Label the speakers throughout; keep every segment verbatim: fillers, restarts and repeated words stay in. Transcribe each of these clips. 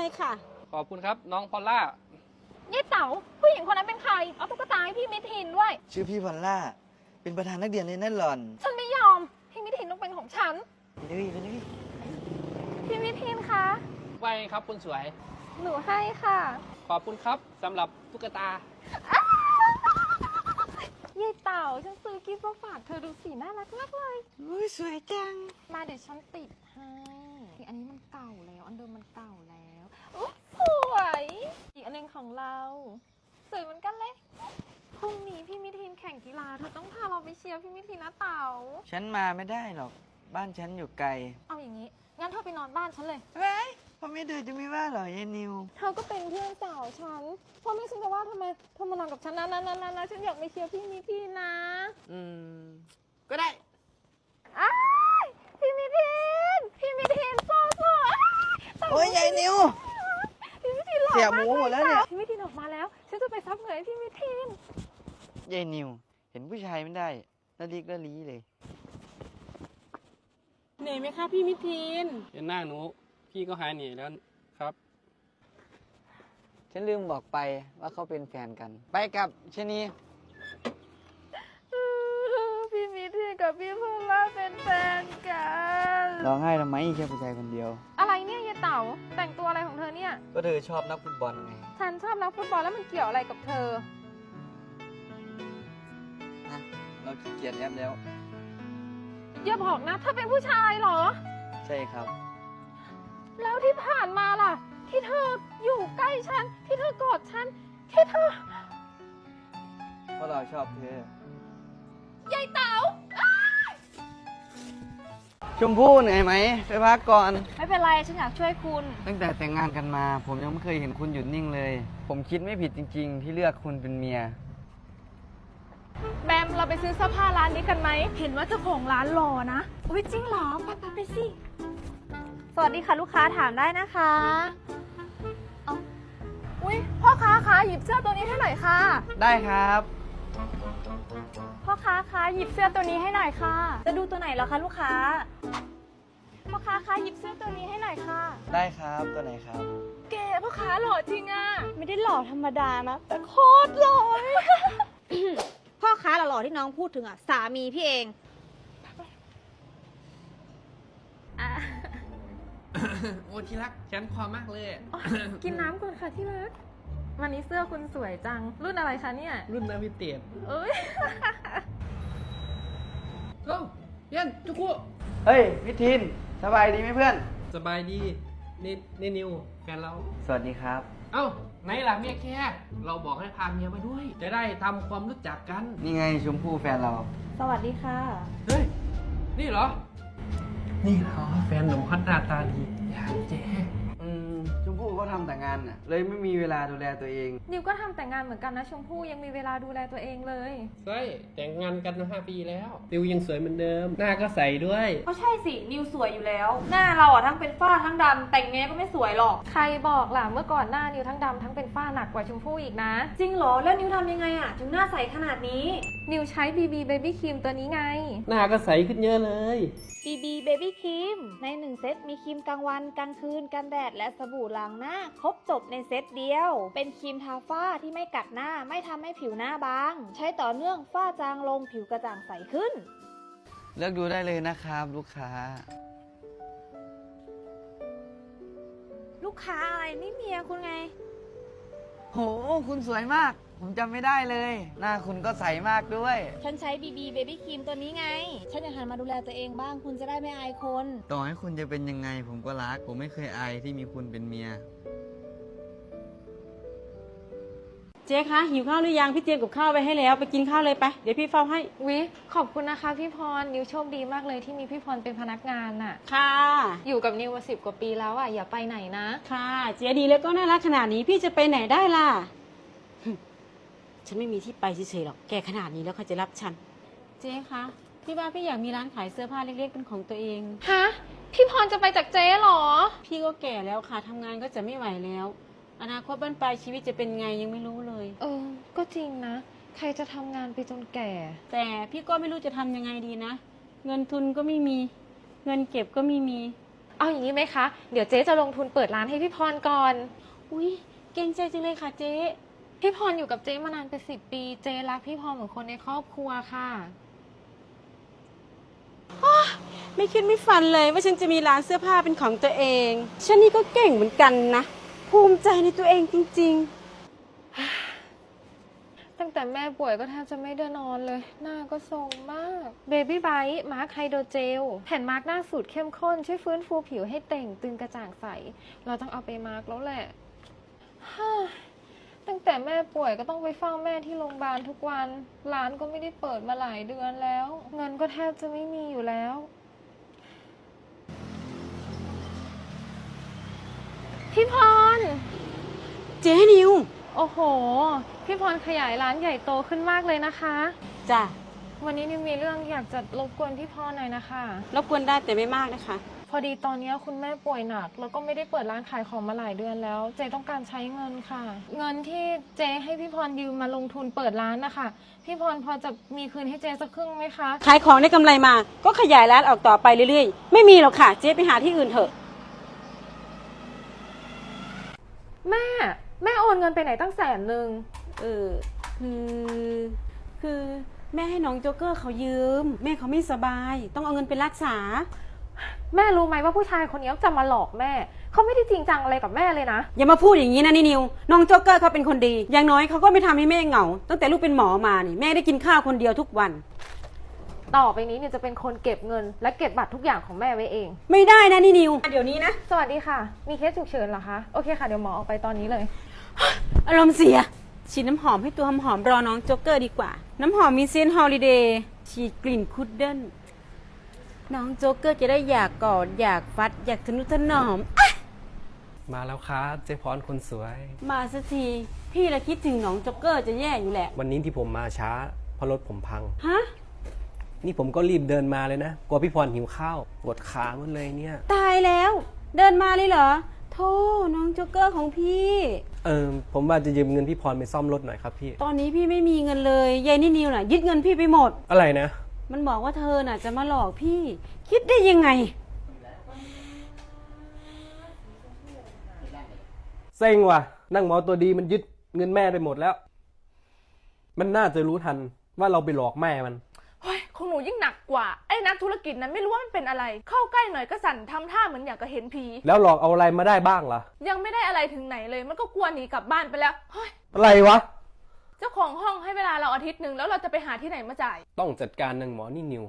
Speaker 1: ค่ะ
Speaker 2: ขอบคุณครับน้องพอลล่า
Speaker 3: ยี่เต๋าผู้หญิงคนนั้นเป็นใครเอาตุ๊กตาให้พี่มิทินด้วย
Speaker 4: ชื่อพี่พอลล่าเป็นประธานนักเรียนเลยนั่นหล่อน
Speaker 3: ฉันไม่ยอมพี่มิทินต้องเป็นของฉัน
Speaker 4: ไปเลยไปเลย
Speaker 3: พี่มิทินคะ
Speaker 2: ไวครับคุณสวย
Speaker 3: หนูให้ค่ะ
Speaker 2: ขอบคุณครับสำหรับตุ๊กตา
Speaker 3: ยี่เต๋าฉันซื้อกิฟต์มาฝากเธอดูสีน่ารักมากเลย
Speaker 4: อุ้ยสวยจัง
Speaker 3: มาเดี๋ยวฉันติดให้อันนี้มันเก่าแล้วอันเดิมมันเก่าแล้วอุ๊ยสวยอีกอันนึงของเราสวยเหมือนกันเลยพรุ่งนี้พี่มิทินแข่งกีฬาเธอต้องพาเราไปเชียร์พี่มิทินนะเต๋า
Speaker 4: ฉันมาไม่ได้หรอกบ้านฉันอยู่ไกล
Speaker 3: เอาอย่างนี้งั้นเธอไปนอนบ้านฉันเลย
Speaker 4: เฮ้ยพ่อแม่เธอจะไม่ว่าหรอยายนิว
Speaker 3: เธอก็เป็นเพื่อนสาวฉันพ่อแม่ฉันจะว่าทำไมเธอมานอนกับฉันนะนะนะนะนะฉันอยากไปเชียร์พี่มิทินนะ
Speaker 4: อืมก็ได้
Speaker 3: อ้ายพี่มิทินพี่มิทินสู้สู้ๆ
Speaker 4: โอ้ยยายนิว
Speaker 3: พี่มิทินหล่อ
Speaker 4: เสียห
Speaker 3: มา
Speaker 4: มู
Speaker 3: ก
Speaker 4: หมดแล้วเนี่ย
Speaker 3: พี่มิทินออกมาแล้วฉันจะไปซับเหงื่อให้พี่มิทิน
Speaker 4: ยายนิว เห็นผู้ชายไม่ได้ละลิกละลีเลย
Speaker 1: เหนื่อยไหมคะพี่มิทิน
Speaker 2: เห็นหน้าหนูพี่ก็หายเหนื่อยแล้วครับ
Speaker 4: ฉันลืมบอกไปว่าเขาเป็นแฟนกัน ไปกับชนี
Speaker 3: พี่มิทินกับพี่พลล่าเป็นแฟนกัน
Speaker 4: ร้องไห้ทำไมแค่ผู้ชายคนเดียว
Speaker 3: อะไรเนี่ยยายเต๋าแต่งตัวอะไรของเธอเนี่ย
Speaker 4: ก็เธอชอบนักฟุตบอลไง
Speaker 3: ฉันชอบนักฟุตบอลแล้วมันเกี่ยวอะไรกับเธอ
Speaker 4: นะเราขี้เกียจแอปแล้ว
Speaker 3: อย่าบอกนะเธอเป็นผู้ชายเหรอ
Speaker 4: ใช่ครับ
Speaker 3: แล้วที่ผ่านมาล่ะ ที่เธออยู่ใกล้ฉัน ที่เธอกอดฉัน ที่เธอ
Speaker 4: เพราะเราชอบเธอ
Speaker 3: ยายเต๋า
Speaker 4: ชมพู่เหนื่อยไหมไปพักก่อน
Speaker 3: ไม่เป็นไรฉันอยากช่วยคุณ
Speaker 4: ตั้งแต่แต่งงานกันมา ผมยังไม่เคยเห็นคุณหยุดนิ่งเลย ผมคิดไม่ผิดจริง ๆ ที่เลือกคุณเป็นเมีย
Speaker 3: แบมเราไปซื้อเสื้อผ้าร้านนี้กันไหม เห็นว่าเจ้าของร้านหล่อนะ อุ้ยจริงเหรอ ไปไปไปสิ สวัสดีค่ะลูกค้าถามได้นะคะเอาอุ้ยพ่อค้าคะหยิบเสื้อตัวนี้ให้หน่อยค่ะ
Speaker 4: ได้ครับ
Speaker 3: พ่อค้าคะหยิบเสื้อตัวนี้ให้หน่อยค่ะ จะดูตัวไหนเหรอคะลูกค้า พ่อค้าคะหยิบเสื้อตัวนี้ให้หน่อยค่ะ
Speaker 4: ได้ครับตัวไหนครับ
Speaker 3: เก๋พ่อค้าหล่อจริงอะไม่ได้หล่อธรรมดานะ แต่โคตรหล่อเลย
Speaker 1: พ่อค้าหล่อๆที่น้องพูดถึงอ่ะสามีพี่เอง
Speaker 3: อ่ะ
Speaker 2: โอ้ที่รักฉันคอมากเลย
Speaker 3: กินน้ำก่อนค่ะที่รักวันนี้เสื้อคุณสวยจัง รุ่นอะไรคะเนี่ย
Speaker 2: รุ่นนาวิเตียน
Speaker 3: เอ้ย
Speaker 2: โอ้เย็นจุกุ
Speaker 4: เฮ้ยพิทินสบายดีไหมเพื่อน
Speaker 2: สบายดีนี่นี่นิวแฟนเรา
Speaker 4: สวัสดีครับ
Speaker 2: เอ้าไหนล่ะเมียแค่เราบอกให้พาเมียมาด้วย จะได้ทำความรู้จักกัน
Speaker 4: นี่ไงชมพู่แฟนเรา
Speaker 3: สวัสดีค่ะ
Speaker 2: เฮ้ย นี่เหรอ นี่เหรอแฟนหนุ่มฮัตหน้าตาดีอย่างเจ๊
Speaker 4: อืมชมพู่ก็ทำแต่งานน่ะ เลยไม่มีเวลาดูแลตัวเอง
Speaker 3: นิวก็ทำแต่งงานเหมือนกันนะชมพู่ยังมีเวลาดูแลตัวเองเลย
Speaker 2: ใช่แต่งงานกันมาห้าปีแล้วติวยังสวยเหมือนเดิม หน้าก็ใสด้วย
Speaker 5: ก็ใช่สิ นิวสวยอยู่แล้ว หน้าเราอ่ะทั้งเป็นฝ้าทั้งดำแต่งไงก็ไม่สวยหรอก
Speaker 3: ใครบอกล่ะเมื่อก่อนหน้านิวทั้งดำทั้งเป็นฝ้าหนักกว่าชมพู่อีกนะ
Speaker 5: จริงเหรอ แล้วนิวทำยังไงอ่ะ ถึงหน้าใสขนาดนี้
Speaker 3: นิวใช้ บี บี Baby Cream ตัวนี้ไง
Speaker 2: หน้าก็ใสขึ้นเยอะเลย
Speaker 1: บี บี Baby Cream ในหนึ่งเซตมีครีมกลางวันกลางคืนกันแดดและสบู่ล้างหน้า ครบจบในเซตเดียว เป็นครีมทาฝ้าที่ไม่กัดหน้าไม่ทำให้ผิวหน้าบาง ใช้ต่อเนื่องฝ้าจางลงผิวกระจ่างใสขึ้น
Speaker 4: เลือกดูได้เลยนะครับ ลูกค้า
Speaker 1: ลูกค้าอะไรนี่เมียคุณไง
Speaker 4: โห คุณสวยมาก ผมจำไม่ได้เลย หน้าคุณก็ใสมากด้วย
Speaker 1: ฉันใช้ บี บี Baby Cream ตัวนี้ไง ฉันอยากหันมาดูแลตัวเองบ้างคุณจะได้ไม่อายคน
Speaker 4: ต่อให้คุณจะเป็นยังไง ผมก็รัก ผมไม่เคยอายที่มีคุณเป็นเมีย
Speaker 5: เจ๊คะหิวข้าวหรือยังพี่เตรียมกับข้าวไว้ให้แล้วไปกินข้าวเลยไป เดี๋ยวพี่เฝ้าให้
Speaker 3: วิขอบคุณนะคะพี่พร นิวโชคดีมากเลยที่มีพี่พรเป็นพนักงานน่ะ
Speaker 5: ค่ะ
Speaker 3: อยู่กับนิวมาสิบกว่าปีแล้วอ่ะอย่าไปไหนนะ
Speaker 5: ค่ะเจ๊ดีแล้วก็น่ารักขนาดนี้พี่จะไปไหนได้ล่ะ ฉันไม่มีที่ไปเฉยๆหรอกแกขนาดนี้แล้วเขาจะรับฉัน เจ๊คะพี่ว่าพี่อยากมีร้านขายเสื้อผ้าเล็กๆเป็นของตัวเอง
Speaker 3: ฮะ พี่พรจะไปจากเจ๊เหรอ
Speaker 5: พี่ก็แก่แล้วค่ะทำงานก็จะไม่ไหวแล้ว อนาคตบ้านปลายชีวิตจะเป็นไงยังไม่รู้เลย
Speaker 3: เออ ก็จริงนะ ใครจะทำงานไปจนแก่
Speaker 5: แต่พี่ก็ไม่รู้จะทำยังไงดีนะ เงินทุนก็ไม่มี เงินเก็บก็ไม่มี
Speaker 3: เอาอย่างนี้ไหมคะ เดี๋ยวเจ๊จะลงทุนเปิดร้านให้พี่พรก่อน
Speaker 5: อุ้ยเก่งใจจังเลยค่ะเจ๊
Speaker 3: พี่พรอยู่กับเจ๊มานานเป็นสิบปี เจ๊รักพี่พรเหมือนคนในครอบครัวค่ะ
Speaker 5: ไม่คิดไม่ฝันเลยว่าฉันจะมีร้านเสื้อผ้าเป็นของตัวเอง ฉันนี่ก็เก่งเหมือนกันนะ ภูมิใจในตัวเองจริงๆ
Speaker 3: ตั้งแต่แม่ป่วยก็แทบจะไม่ได้นอนเลย หน้าก็ทรงมาก Baby Bite มาร์คไฮโดรเจล แผ่นมาร์คหน้าสูตรเข้มข้น ช่วยฟื้นฟูผิวให้เต่งตึงกระจ่างใส เราต้องเอาไปมาร์คแล้วแหละ ตั้งแต่แม่ป่วยก็ต้องไปเฝ้าแม่ที่โรงพยาบาลทุกวัน ร้านก็ไม่ได้เปิดมาหลายเดือนแล้ว เงินก็แทบจะไม่มีอยู่แล้ว พี่พร
Speaker 5: เจ๊นิว
Speaker 3: โอ้โห พี่พรขยายร้านใหญ่โตขึ้นมากเลยนะคะ
Speaker 5: จ้ะ
Speaker 3: วันนี้นิวมีเรื่องอยากจะรบกวนพี่พรหน่อยนะคะ
Speaker 5: รบกวนได้แต่ไม่มากนะคะ
Speaker 3: พอดีตอนนี้คุณแม่ป่วยหนัก แล้วก็ไม่ได้เปิดร้านขายของมาหลายเดือนแล้ว เจต้องการใช้เงินค่ะ เงินที่เจให้พี่พรยืมมาลงทุนเปิดร้านนะคะ พี่พรพอจะมีคืนให้เจสักครึ่งไหมคะ
Speaker 5: ขายของได้กำไรมา ก็ขยายร้านออกต่อไปเรื่อยๆ ไม่มีหรอกค่ะ เจ๊ไปหาที่อื่นเถอะ
Speaker 3: แม่ แม่โอนเงินไปไหนตั้งแสนหนึ่ง
Speaker 5: เออ คือ คือแม่ให้น้องโจ๊กเกอร์เขายืม แม่เขาไม่สบาย ต้องเอาเงินไปรักษา
Speaker 3: แม่รู้ไหมว่าผู้ชายคนนี้จะมาหลอกแม่ เขาไม่ได้จริงจังอะไรกับแม่เลยนะ
Speaker 5: อย่ามาพูดอย่างนี้นะนี่นิว น้องโจ๊กเกอร์เขาเป็นคนดี อย่างน้อยเขาก็ไม่ทำให้แม่เหงา ตั้งแต่ลูกเป็นหมอมานี่แม่ได้กินข้าวคนเดียวทุกวัน
Speaker 3: ต่อไปนี้เนี่ยจะเป็นคนเก็บเงิน และเก็บบัตรทุกอย่างของแม่ไว้เอง
Speaker 5: ไม่ได้นะนี่นิว เดี๋ยวนี้นะ
Speaker 3: สวัสดีค่ะ มีเคสฉุกเฉินเหรอคะ โอเคค่ะ เดี๋ยวหมอออกไปตอนนี้เลย
Speaker 5: อารมณ์เสีย ฉีดน้ำหอมให้ตัวหอมๆรอน้องโจ๊กเกอร์ดีกว่า น้ำหอมมีเซนต์ฮอลิเดย์ฉีดกลิ่นคุดเดิลน้องโจ๊กเกอร์จะได้อยากกอดอยากฟัด อยากทะนุถนอม
Speaker 2: มาแล้วครับเจ๊พรคนสวย
Speaker 5: มาสักที พี่ละคิดถึงน้องโจ๊กเกอร์จะแย่อยู่แหละ
Speaker 2: วันนี้ที่ผมมาช้าเพราะรถผมพัง
Speaker 5: ฮะ
Speaker 2: นี่ผมก็รีบเดินมาเลยนะกลัวพี่พรหิวข้าวปวดขาหมดเลยเนี่ย
Speaker 5: ตายแล้ว เดินมาเลยเหรอโธ่น้องโจ๊กเกอร์ของพี่
Speaker 2: เออผมว่าจะยืมเงินพี่พรไปซ่อมรถหน่อยครับพี่
Speaker 5: ตอนนี้พี่ไม่มีเงินเลยยายนี่นิวน่ะยึดเงินพี่ไปหมด
Speaker 2: อะไรนะ
Speaker 5: มันบอกว่าเธอน่ะจะมาหลอกพี่ คิดได้ยังไง
Speaker 2: เซ็งว่ะ นั่งหมอตัวดีมันยึดเงินแม่ไปหมดแล้ว มันน่าจะรู้ทันว่าเราไปหลอกแม่มัน
Speaker 6: เฮ้ยของหนูยิ่งหนักกว่าไอ้นักธุรกิจนั้นไม่รู้ว่ามันเป็นอะไร เข้าใกล้หน่อยก็สั่นทำท่าเหมือนอยากจะเห็นผี
Speaker 2: แล้วหลอกเอาอะไรมาได้บ้างล่ะ
Speaker 6: ยังไม่ได้อะไรถึงไหนเลย มันก็กลัวหนีกลับบ้านไปแล้วเฮ้ย
Speaker 2: อะไรวะ
Speaker 6: เจ้าของห้องให้เวลาเราอาทิตย์หนึ่งแล้วเราจะไปหาที่ไหนมาจ่าย
Speaker 2: ต้องจัดการนางหมอนี่นิว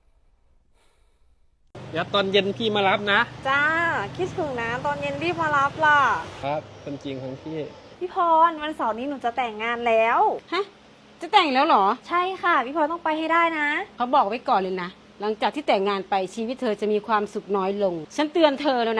Speaker 2: เดี๋ยวตอนเย็นพี่มารับนะ
Speaker 1: จ้า คิดถึงนะตอนเย็นรีบมารับล่ะ
Speaker 2: ครับเป็นจริงของพี่
Speaker 1: พี่พรวันเสาร์นี้หนูจะแต่งงานแล้ว
Speaker 5: ฮะ จะแต่งแล้วเหรอ
Speaker 1: ใช่ค่ะ พี่พรต้องไปให้ได้นะ
Speaker 5: เขาบอกไว้ก่อนเลยนะ หลังจากที่แต่งงานไปชีวิตเธอจะมีความสุขน้อยลง ฉันเตือนเธอแล้วนะ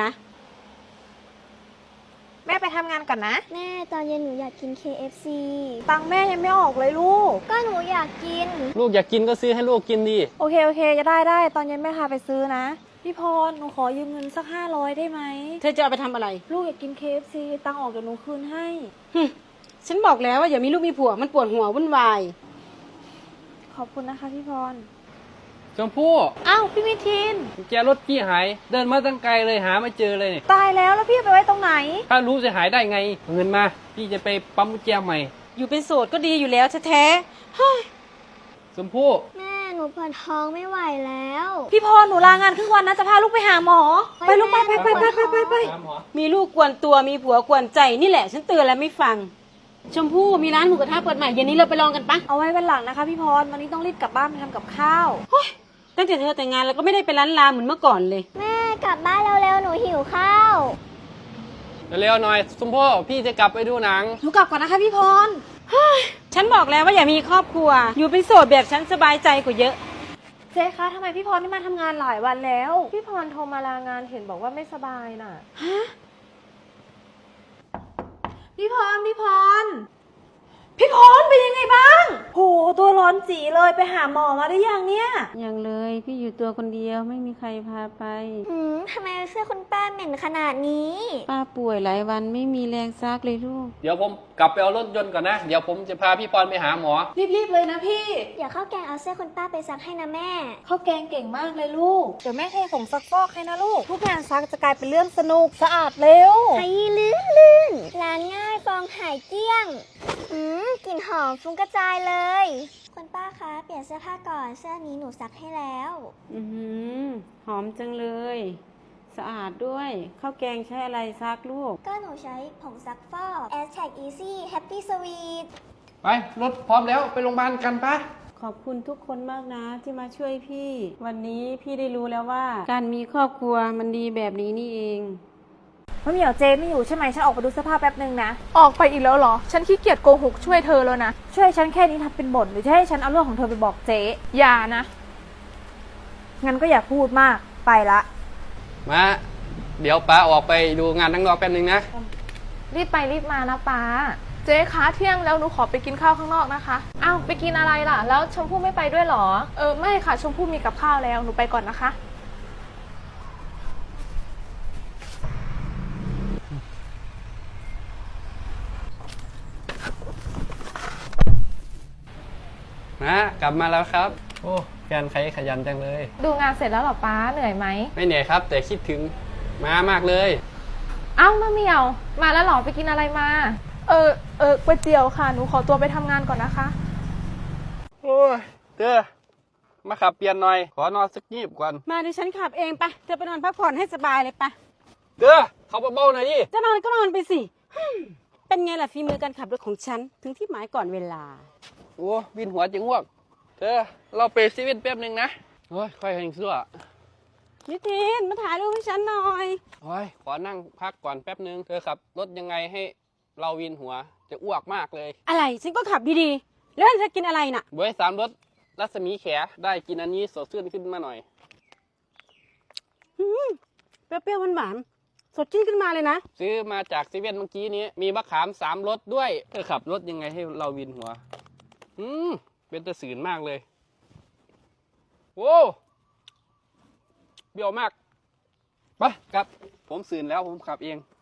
Speaker 1: แม่ไปทำงานก่อนนะ
Speaker 7: แม่ตอนเย็นหนูอยากกิน เค เอฟ ซี
Speaker 1: ตังค์แม่ยังไม่ออกเลยลูก
Speaker 7: ก็หนูอยากกิน
Speaker 2: ลูกอยากกินก็ซื้อให้ลูกกินดิ
Speaker 1: โอเคโอเคจะได้ได้ตอนเย็นแม่พาไปซื้อนะ พี่พรหนูขอยืมเงินสักห้าร้อยได้ไหม
Speaker 5: เธอจะเอาไปทำอะไร
Speaker 1: ลูกอยากกิน เค เอฟ ซี ตังค์ออกเดี๋ยวหนูคืนให้
Speaker 5: หึฉันบอกแล้วว่าอย่ามีลูกมีผัวมันปวดหัววุ่นวาย
Speaker 1: ขอบคุณนะคะพี่พร
Speaker 2: ชมพู่
Speaker 1: อ้าวพี่มิทิน
Speaker 2: กุญแจรถพี่หาย เดินมาตั้งไกลเลยหาไม่เจอเลยเนี่ย
Speaker 1: ตายแล้วแล้วพี่ไปไว้ตรงไหน
Speaker 2: ถ้ารู้จะหายได้ไงเอาเงินมา พี่จะไปปั๊มกุญแจใหม่
Speaker 5: อยู่เป็นโสดก็ดีอยู่แล้วแท้ๆเฮ้ย
Speaker 2: ชมพู่
Speaker 7: แม่หนูปวดท้องไม่ไหวแล้ว
Speaker 1: พี่พรหนูลางานครึ่งวันนะจะพาลูกไปหาหมอ ไปลูกไปไปไปไปไปไปไป
Speaker 5: มีลูกกวนตัวมีผัวกวนใจนี่แหละ ฉันเตือนแล้วไม่ฟัง ชมพู่มีร้านหมูกระทะเปิดใหม่เย็นนี้เราไปลองกันปะ
Speaker 1: เอาไว้วันหลังนะคะพี่พรวันนี้ต้องรีบกลับบ้านไปทำกับข้าว
Speaker 5: ตั้งแต่เธอแต่งงานเราก็ไม่ได้ไปร้านลาเหมือนเมื่อก่อนเลย
Speaker 7: แม่กลับบ้านเร็วๆหนูหิวข้าว
Speaker 2: เร็วๆหน่อยชมพู่พี่จะกลับไปดูหนัง
Speaker 1: หนูกลับก่อนนะคะพี่พร
Speaker 5: ฉันบอกแล้วว่าอย่ามีครอบครัว อยู่เป็นโสดแบบฉันสบายใจกว่าเยอะ
Speaker 1: เจ๊คะทำไมพี่พรไม่มาทำงานหลายวันแล้ว
Speaker 3: พี่พรโทรมาลางานเห็นบอกว่าไม่สบายน่ะ
Speaker 1: พี่พรพี่พร
Speaker 5: พี่พรเป็นยังไงบ้าง
Speaker 1: โหตัวร้อนจีเลยไปหาหมอมาได้ยังเนี่ย
Speaker 5: ยังเลยพี่อยู่ตัวคนเดียวไม่มีใครพาไป
Speaker 7: หืมทำไมเสื้อคุณป้าเหม็นขนาดนี้
Speaker 5: ป้าป่วยหลายวันไม่มีแรงซักเลยลูก
Speaker 2: เดี๋ยวผมกลับไปเอารถยนต์ก่อนนะ เดี๋ยวผมจะพาพี่พรไปหาหมอ
Speaker 1: รีบๆเลยนะพี่
Speaker 7: เดี๋ยวข้าวแกงเอาเสื้อคุณป้าไปซักให้นะแม่
Speaker 1: ข้าวแกงเก่งมากเลยลูก เดี๋ยวแม่เทผงซักฟอกให้นะลูก ทุกงานซักจะกลายเป็นเรื่องสนุกสะอาดเร็ว
Speaker 7: ไอ้ลื่นลื่นล้างง่ายฟองหายเกลี้ยง อืมกลิ่นหอมฟุ้งกระจายเลย คุณป้าคะ เปลี่ยนเสื้อผ้าก่อน เสื้อนี้หนูซักให้แล้ว
Speaker 5: อือหือหอมจังเลย สะอาดด้วยข้าวแกงใช้อะไรซักลูก
Speaker 7: ก็หนูใช้ผงซักฟอก Aztec Easy Happy Sweet
Speaker 2: ไปรถพร้อมแล้วไปโรงพยาบาลกันปะ
Speaker 5: ขอบคุณทุกคนมากนะที่มาช่วยพี่ วันนี้พี่ได้รู้แล้วว่า การมีครอบครัวมันดีแบบนี้นี่เอง
Speaker 1: มะเหมียวเจไม่อยู่ใช่ไหมฉันออกไปดูเสื้อผ้าแป๊บนึงนะ
Speaker 6: ออกไปอีกแล้วเหรอ ฉันขี้เกียจโกหกช่วยเธอแล้วนะ
Speaker 1: ช่วยฉันแค่นี้ทำเป็นบ่นหรือจะให้ฉันเอาเรื่องของเธอไปบอกเจ๊
Speaker 6: อย่านะ
Speaker 1: งั้นก็อย่าพูดมาก ไปละ
Speaker 2: มาเดี๋ยวป้าออกไปดูงานทั้งนอกแป๊บนึงนะ
Speaker 6: รีบไปรีบมานะป้า เจ๊คะเที่ยงแล้วหนูขอไปกินข้าวข้างนอกนะคะอ้าวไปกินอะไรล่ะ แล้วชมพู่ไม่ไปด้วยเหรอ เออไม่ค่ะชมพู่มีกับข้าวแล้วหนูไปก่อนนะคะ
Speaker 2: นะกลับมาแล้วครับ โอ้แกนใครขยันจังเลย
Speaker 6: ดูงานเสร็จแล้วเหรอป้าเหนื่อยไหม
Speaker 2: ไม่เหนื่อยครับ แต่คิดถึงม้ามากเลย
Speaker 6: เอ้ามะเหมียว มาแล้วเหรอไปกินอะไรมา เออเออก๋วยเตี๋ยวค่ะหนูขอตัวไปทำงานก่อนนะคะ
Speaker 2: โอ้ยเด้อมาขับเปลี่ยนหน่อย ขอนอนสักยีบก่อน
Speaker 5: มาดิฉันขับเองไปเธอไปนอนพักผ่อนให้สบายเลยไป
Speaker 2: เด้อเขาเบาๆหน่อยดิ
Speaker 5: จะนอนก็นอนไปสิฮึ่มเป็นไงล่ะฝีมือการขับรถของฉันถึงที่หมายก่อนเวลา
Speaker 2: โอ้วินหัวจิงอ้วกเธอเราไปซีเว่นแป๊บนึงนะโอ้ยค่อยแหงเสื้อ
Speaker 5: นิทินมาถ่ายรูปให้ฉันหน่อย
Speaker 2: โอ้ยขอนั่งพักก่อนแป๊บนึง เธอขับรถยังไงให้เราวินหัวจะอ้วกมากเลย
Speaker 5: อะไรฉันก็ขับดีๆแล้วเธอกินอะไรน่ะ
Speaker 2: บวยสามรถรัศมีแขได้กินอันนี้สดชื่นขึ้นมาหน่อย
Speaker 5: อืมเปรี้ยวๆหวานๆสดชื่นขึ้นมาเลยนะ
Speaker 2: ซื้อมาจากซีเว่นเมื่อกี้นี้ มีมะขามสามรสด้วย เธอขับรถยังไงให้เราวินหัว อืมเป็นตะสืนมากเลย โว้เบี้ยวมากไปกลับ ผมสื่นแล้วผมขับเอง